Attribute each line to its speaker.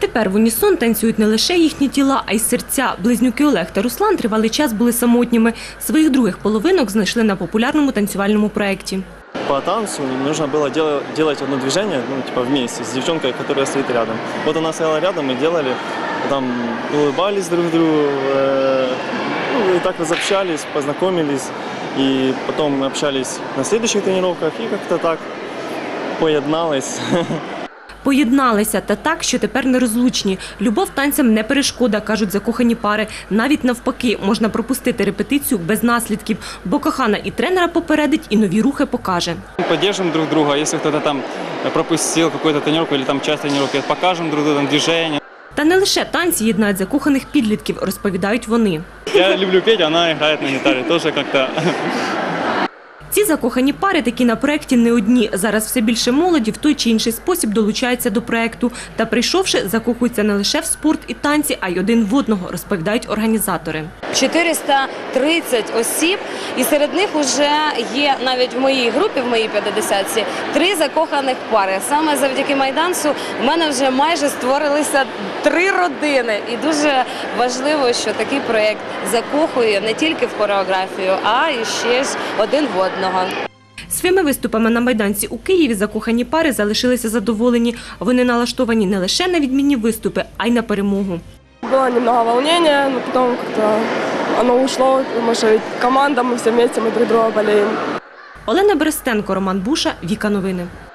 Speaker 1: Тепер в унісон танцюють не лише їхні тіла, а й серця. Близнюки Олег та Руслан тривалий час були самотніми. Своїх других половинок знайшли на популярному танцювальному проєкті.
Speaker 2: По танцу нужно было делать одно движение, вместе с девчонкой, которая стоит рядом. Вот она стояла рядом, мы делали, там улыбались друг другу, и так разобщались, познакомились. И потом мы общались на следующих тренировках и как-то так поєднались.
Speaker 1: Поєдналися та так, що тепер нерозлучні. Любов танцям не перешкода, кажуть закохані пари. Навіть навпаки, можна пропустити репетицію без наслідків, бо кохана і тренера попередить, і нові рухи покаже.
Speaker 3: Поддержим друг друга, якщо хтось там пропустив якусь тренування або там часть тренування, покажемо друг другу движення.
Speaker 1: Та не лише танці єднають закоханих підлітків, розповідають вони.
Speaker 3: Я люблю петь, вона грає на гітарі, теж як-то.
Speaker 1: Ці закохані пари такі на проєкті не одні. Зараз все більше молоді в той чи інший спосіб долучаються до проєкту. Та прийшовши, закохуються не лише в спорт і танці, а й один в одного, розповідають організатори.
Speaker 4: 430 осіб, і серед них вже є навіть в моїй групі, в моїй 50-ці, 3 закоханих пари. Саме завдяки майданцю в мене вже майже створилися 3 родини. І дуже важливо, що такий проєкт закохує не тільки в хореографію, а і ще ж один в одного.
Speaker 1: Своїми виступами на майданці у Києві закохані пари залишилися задоволені. Вони налаштовані не лише на відмінні виступи, а й на перемогу.
Speaker 5: Было немного волнения, но потом как-то оно ушло, потому что команда, мы все вместе, мы друг друга болеем.
Speaker 1: Олена Берестенко, Роман Буша, Віка Новини.